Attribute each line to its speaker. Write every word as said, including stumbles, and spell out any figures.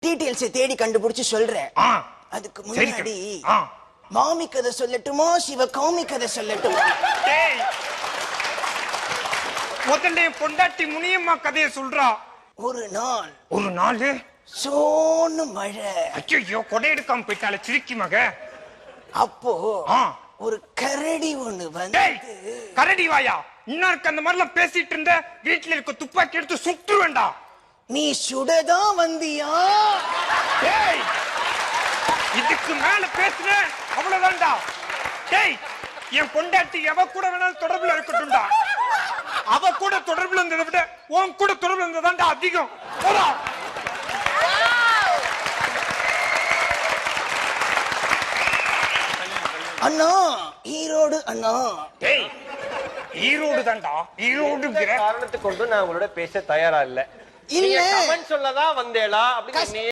Speaker 1: Details தேடி கண்டுபிடிச்சு சொல்றேன். அதுக்கு முன்னாடி மாமி கதை சொல்லட்டுமா சிவ காமி கதை சொல்லட்டுமா?
Speaker 2: முதல்ல பொண்டாட்டி முனியம்மா கதையை சொல்றா.
Speaker 1: ஒரு நாள்
Speaker 2: ஒரு நாள்
Speaker 1: சோன்னு மழை.
Speaker 2: ஐயோ கொடை எடுக்காம போயிட்டால சிரிக்கி மக.
Speaker 1: அப்போ ஒரு கரடி ஒண்ணு வந்து.
Speaker 2: கரடி வாயா, இன்னொருக்கு அந்த மாதிரிலாம் பேசிட்டு இருந்த வீட்டுல இருக்க துப்பாக்கி எடுத்து சுட்டு வேண்டாம்.
Speaker 1: நீ சுடதான் வந்தியா?
Speaker 2: இதுக்கு மேல பேசுற அவ்வளவுதான்டா. டேய், என் பொண்டாட்டி எவ கூட வேணாலும் தொடர்புல இருக்கட்டும்டா. அவ கூட தொடர்புல இருந்ததை விட உன் கூட தொடர்புல இருந்ததான்டா அதிகம். போடா.
Speaker 1: அண்ணா ஈரோடு அண்ணா.
Speaker 2: டேய், ஈரோடு தான்டா. ஈரோடுங்கிற
Speaker 3: காரணத்தை கொண்டு நான் உங்களோட பேச தயாரா இல்ல.
Speaker 1: இல்ல
Speaker 3: கமெண்ட் சொல்லதான் வந்தேளா அப்படின்னு